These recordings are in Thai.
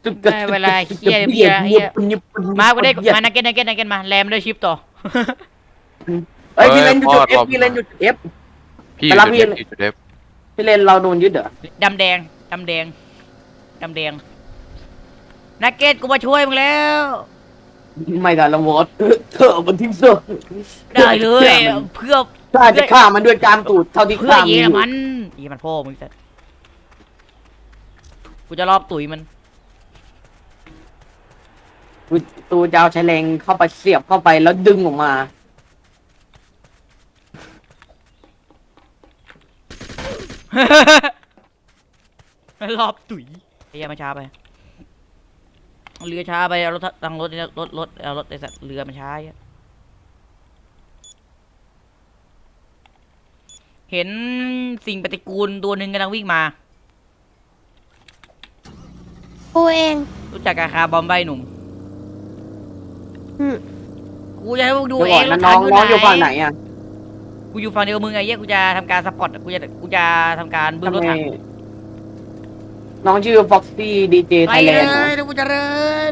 ได้เวลาเฮียเฮียเฮียมากูได้มานักเก็ตมาแรมด้วยชิปต่อเฮ้ยพี่เล่นจุดเอฟพี่เล่นจุดเอฟพี่อแต่ยู่ละจุดพี่เอฟพี่จุดเอฟพี่เล่นเราโดนยึดเหรอดำแดงนักเก็ตกูมาช่วยมึงแล้วไม่ได้ละมดเธอมันทิ้งเสื้อได้เลยเพื่อถ้าจะฆ่ามันด้วยการตูดเท่าที่เพื่อฆ่าเยมันอรมันพ่อมึงจะกูจะรอบตุ๋ยมันตูจะเอาใช้แรงเข้าไปเสียบเข้าไปแล้วดึงออกมารอบตุ๋ยไอ้เหี้ยมันช้าไปเรือช้าไปเอารถตั้งรถเอารถไอ้สัตว์เรือมันช้าเห็นสิ่งปฏิกูลตัวหนึ่งกำลังวิ่งมากูเองรู้จักกาคาบอมใบหนุ่มอืมกูจะให้พวกดูดูเอก่อนงรนะถน้ถัองงอยู่น้องอยู่ฝั่งไหไหนนอ่ะกูอยู่ฝั่งเดียวกับมึงไอ้เหี้ยกูจะทำการสปอร์ตกูจะทำการบึ้มรถถังน้องชื่อ Foxy DJ ไป Thailand เลยเดี๋ยวกูจะเริน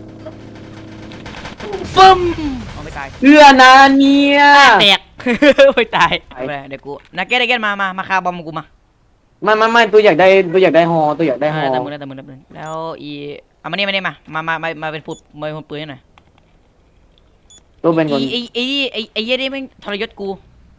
ปึ้มเอาไม่ตายเพื่อนะเนี่ยแตก ไม่ตายเอาไปเดี๋ยวกูนักเก็ตมาคาบอมกูมาไม่ตัวอยากได้ฮอตัวอยากได้ฮอแต่มึงแล้วอีเอามานี่มาเป็นฟุตมาเป็นปืนให้หน่อยตัวเป็นคนไอ้เหี้ยนี่แม่งทรยศกู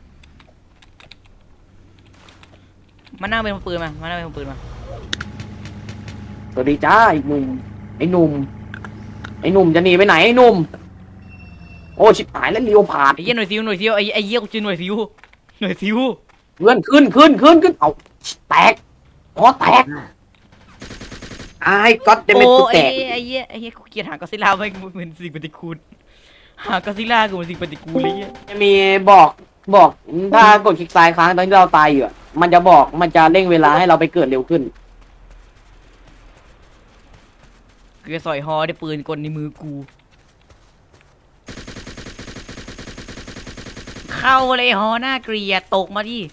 มานั่งเป็นปืนมานั่งเป็นปืนมาสวัสดีจ้าไอ้หนุ่มไอ้หนุ่มจะหนีไปไหนไอ้หนุ่มโอ้ชิบหายแล้วเลี้ยวผ่านไอ้เหี้ยหน่วยซิวไอ้เหี้ยกูชื่อหน่วยซิวเพื่อนขึ้นเอาแตกฮอแตกไอ้ก๊อตจะเป็นกูแตกไอ้เหี้ยกูเกลียดหางก็ซิล่าไม่เหมือนสิ่งปฏิกูลหางก็ซิล่ากูเหมือนสิ่งปฏิกูลเลยเหี้ยจะมีบอกถ้ากดคลิกซ้ายค้างตอนที่เราตายอยู่อะมันจะบอกมันจะเร่งเวลาให้เราไปเกิดเร็วขึ้นกูจะสอยฮอได้ปืนกลในมือกูเข้าเลยฮอหน้าเกลียดตกมาดิ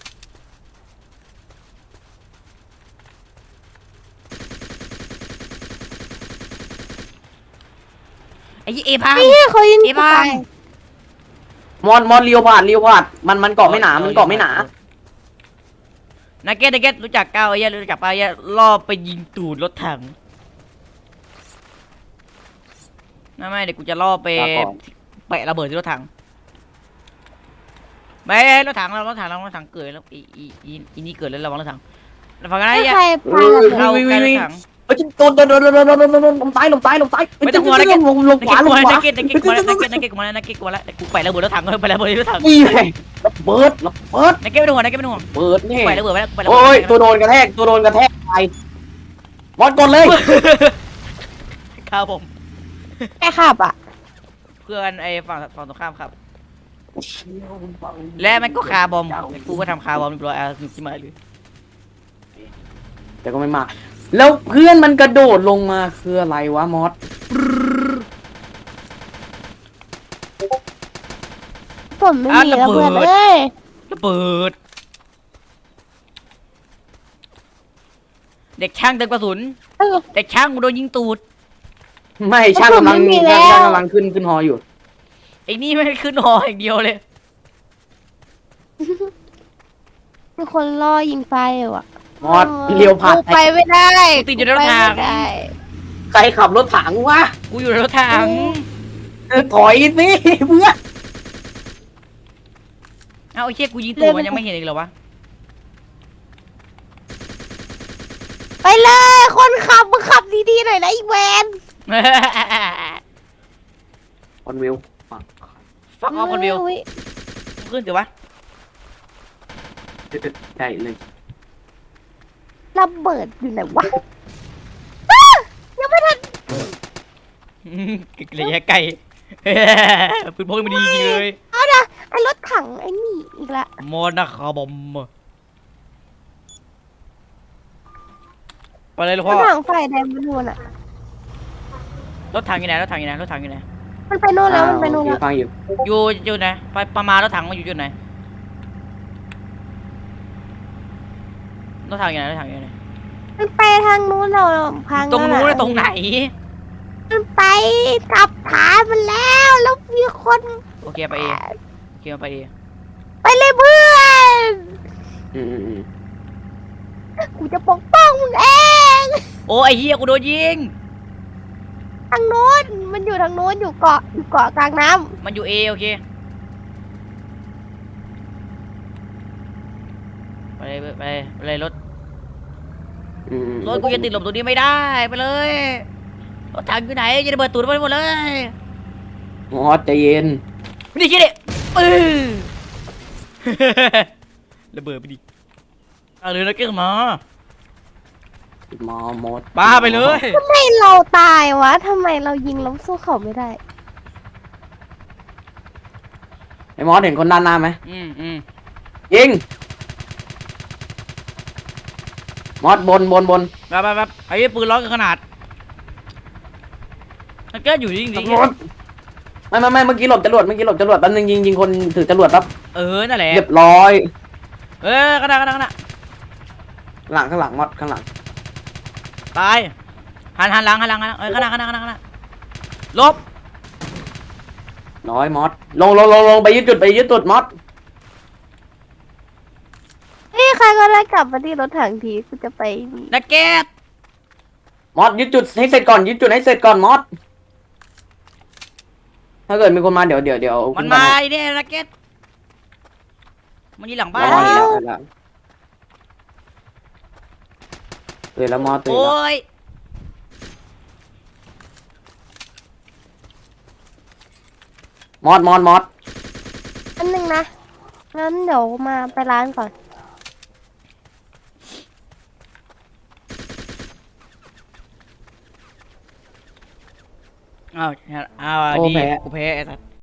ไอ้เอพังเนี่ยเขายิงไอ้กูบ้าตายมอนเลี้ยวผ่านมันเกาะไม่หนามันเกาะไม่หนานักเก็ตรู้จักก้าวไอ้เหี้ยรู้จักป้าไอ้เหี้ยล่อไปยิงตูดรถถังไม่เดี๋ยวกูจะล่อไปแปะระเบิดที่รถถังไม่รถถังเกิดแล้วอีนี่เกิดแล้วระวังรถถังฝั่งนั้นไอ้เหี้ยใครพาระเบิดเข้าใกล้รถถังเฮ้ยโดนลงซ้ายไม่ต้องห่วงนักเก็ตลงขวานักเก็ตมาแล้วกูแปะระเบิดรถถังไประเบิดรถถังนี่ไงระเบิดนักเก็ตไม่ต้องห่วงเปิดนี่แปะระเบิดไว้โอ้ยตัวโดนกระแทกไปบอลกดเลยครับผมแค่ขับอ่ะเพื่อนไอ้ฝั่งตรงข้ามครับและมันก็คาบอมกูก็ทำคาบอมเรียบร้อยอ่ะสนุกที่มาเลยแต่ก็ไม่มา แล้วเพื่อนมันกระโดดลงมาคืออะไรวะมอสผมไม่มีระเบิดเลยระเบิดเด็กช่างเติมกระสุนเด็กช่างกูโดนยิงตูดไม่ช่างกำลังขึ้นฮออยู่ไอ้นี่ไม่ได้ขึ้นหออย่างเดียวเลยมีคนล่อยิงไฟอยู่อ่ะมอสเลี้ยวผ่านกูไปไม่ได้กูติดอยู่ในรถถังไปไม่ได้ใครขับรถถังวะกูอยู่ในรถถังถอยสิเพื่อนเอ้าไอ้เชี่ยกูยิงตูดมันยังไม่เห็นอีกเหรอวะไปเลยคนขับมึงขับดีๆหน่อยนะอีแวนคอนวิวฟักออฟคนวิวอุ๊ยขึ้นเดี๋ยววะใช่เลยระเบิดอยู่ไหนวะอ้ายังไม่ทันระยะไกลปืนพกมันดีจริงเลยเอานะไอ้รถถังไอ้นี่อีกละมอนะคาบอมไปเลยลูกรพ่อถถังไฟแดงมันนู่นอ่ะรถถังอยู่ไหนมันไปนู่นแล้วมันไปนู่นแล้วฟังอยู่อยู่จุดไหนไปประมาณรถถังมันอยู่จุดไหนรถถังอยู่ไหนมันไปทางนู้นเราพังตรงนู้นแล้วะตรงไหนมันไปกลับฐานมันแล้วแล้วมีคนโอเคไปเอโอเคไปเอไปเลยเพื่อนอืมกูจะปกป้องมึงเองโอ้ไอ้เหี้ยกูโดนยิงทางนู้นมันอยู่ทางนู้นอยู่เกาะกลางน้มันอยู่เอโอเคไปเลยไปเลยรถ รถกูจะติดหลบตรงนี้ไม่ได้ไปเลยรถถังอยู่ไหนจะระเบิดตูดไปหมดเลยมอสใจเย็นไม่ได้คิดดิระเบิดไปดิเอาเลยแล้วเก่งมามามอสบ้าไปเลยำทำไมเราตายวะทำไมเรายิงล้มสู้เขาไม่ได้ไอ้มอสเห็นคนด้านหน้าไหมอืมยิงมอสบนแบบไอ้ปืนร้อนกันขนาดมันก็อยู่จริงตำรวจไม่เมื่อกี้หลบจรวดแป๊บนึงยิงคนถือจรวดปั๊บนั่นแหละเรียบร้อยขนาดข้างหลังมอสข้างหลังตายหันหลังขนาดลบน้อยมอสลงไปยึดจุดมอสเฮ้ยใครก็ได้กลับมาที่รถถังทีกูจะไปนี่นักเก็ตมอสยึดจุดให้เสร็จก่อนมอสถ้าเกิดมีคนมาเดี๋ยวมันมาไอ้เนี่ยนักเก็ตมันอยู่หลังบ้านตื่นแล้วมอสตื่นโอ้แล้วยมอสอันหนึ่งนะงั้นเดี๋ยวมาไปร้านก่อนอ้าวดีกูแพ้ไอ้สัส